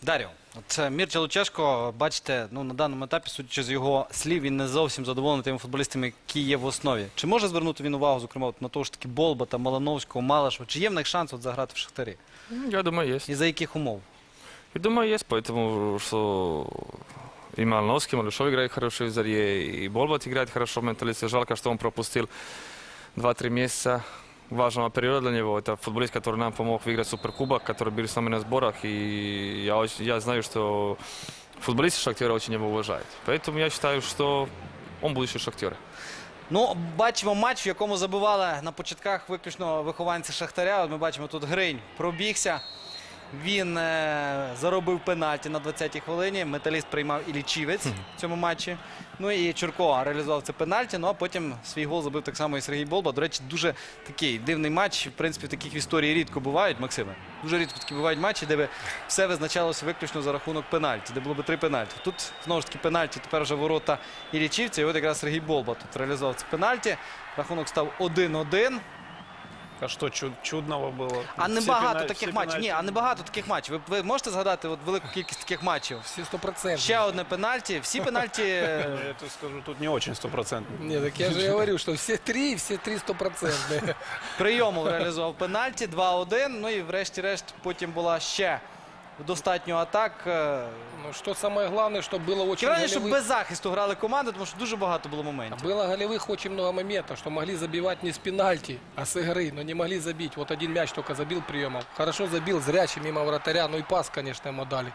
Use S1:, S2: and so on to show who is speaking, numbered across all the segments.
S1: Дар'ю, от Мірча Лучешко, бачите, на даному етапі, судячи з його слів, він не зовсім задоволений тими футболістами, які є в основі. Чи може звернути він увагу, зокрема, на того ж таки Болбата, Малановського, Малашева? Чи є в них шанс заграти в Шахтарі?
S2: Я думаю, есть.
S1: І за яких умов?
S2: Я думаю, есть, поэтому что и Малиновский, Малышов играет хорошо в Зарье, и Болбат играет хорошо в Менталисте. Жалко, что он пропустил 2-3 месяца важного периода для него. Это футболист, который нам помог выиграть Суперкубок, который был с нами на сборах. И я знаю, что футболисты Шахтера очень его уважают. Поэтому я считаю, что он будущий Шахтер.
S1: Ну, бачимо матч, в якому забивали на початках виключно вихованці Шахтаря. От ми бачимо, тут Гринь пробігся. Він заробив пенальті на 20-й хвилині. Металіст приймав і Лічівець в цьому матчі. Ну і Чурко реалізував це пенальті. Ну а потім свій гол забив так само і Сергій Болба. До речі, дуже такий дивний матч. В принципі, таких в історії рідко бувають, Максиме. Дуже рідко такі бувають матчі, де все визначалося виключно за рахунок пенальті. Де було б 3 пенальті. Тут, знову ж таки, пенальті тепер вже ворота і Лічівця. І от якраз Сергій Болба тут реалізував це пенальті. Рахунок став 1-1.
S3: А що чудного було?
S1: А небагато таких матчів. Ні, а небагато таких матчів. Ви можете згадати велику кількість таких матчів?
S4: Все 100%.
S1: Ще одне пенальті. Всі пенальті...
S3: Я тебе скажу, тут не очень 100%.
S4: Нет, так я же говорю, что все три 100%.
S1: Прийомов реалізував пенальті, 2-1. Ну і врешті-решт потім була ще достатньо атак.
S4: Ну, что самое главное, что было очень
S1: Раніше, щоб
S4: голевых...
S1: без захисту грали команди, тому що дуже багато було моментів.
S4: Было голевых очень много моментов, что могли забивать не с пенальти, а с игры, но не могли забить. Вот один мяч только забил приемом. Хорошо забил, зрячий мимо вратаря, ну и пас, конечно, ему дали.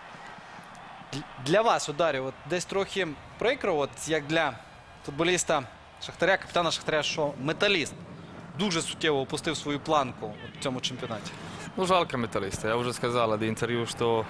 S1: Для вас, Дар'ю, от десь трохи прикро, от як для футболіста Шахтаря, капітана Шахтаря, що Металіст дуже суттєво опустив свою планку в цьому чемпіонаті.
S2: Ну, жалко Металлиста. Я уже сказал до интервью, что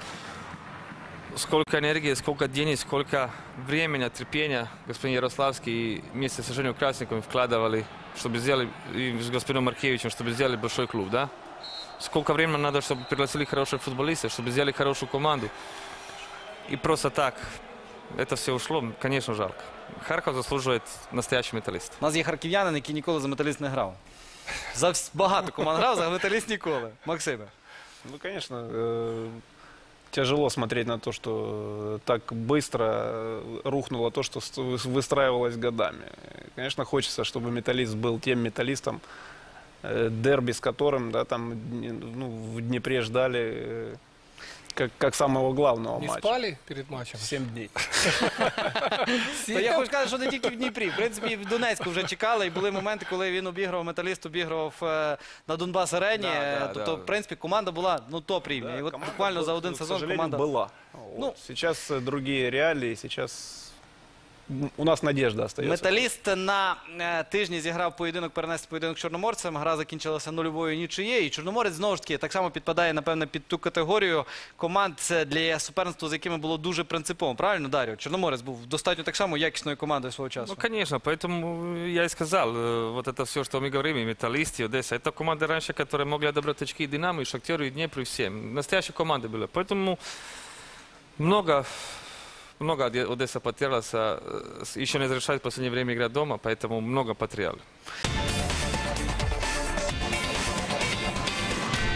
S2: сколько энергии, сколько денег, сколько времени, терпения господин Ярославский вместе с Женей Красниковым вкладывали, чтобы сделали, и с господином Маркевичем, чтобы сделали большой клуб, да? Сколько времени надо, чтобы пригласили хороших футболистов, чтобы сделали хорошую команду. И просто так это все ушло, конечно, жалко. Харьков заслуживает настоящий Металлист.
S1: У нас є харків'янин, який ніколи за Металіст не грав. За багато команд грав, за Металіст ніколи. Максиме.
S3: Ну, конечно, тяжело смотреть на то, что так быстро рухнуло то, что выстраивалось годами. Конечно, хочется, чтобы Металлист был тем Металлистом, дерби с которым, да, там, ну, в Днепре ждали как самого главного
S4: Не
S3: матча.
S4: спали перед матчем?
S3: 7 дней.
S1: То я хочу сказати, що не тільки в Дніпрі. В принципі, і в Донецьку вже чекали, і були моменти, коли він обіграв, Металіст обіграв на Донбас-арені. Тобто, в принципі, команда була топ рівня. І от буквально за один сезон команда...
S3: была.
S1: Ну,
S3: сейчас другие реалии, сейчас у нас надежда остается.
S1: Металіст на тижні зіграв поєдинок, перенести поєдинок з Чорноморцем. Гра закінчилася 0-0 нічиєю. І Чорноморець, знову ж таки, так само підпадає, напевне, під ту категорію команд для суперництва, з якими було дуже принципово. Правильно, Дар'ю? Чорноморець був достатньо так само якісною командою свого часу.
S2: Ну, конечно, поэтому я и сказал, вот это все, что мы говорим, и Металлист, и Одесса, это команды раньше, которые могли отобрать очки и Динамо, и Шахтеру, и Днепру, и всем. Настоящие команды были. Поэтому много Одесса потерялась, еще не разрешает в последнее время играть дома, поэтому много потеряли.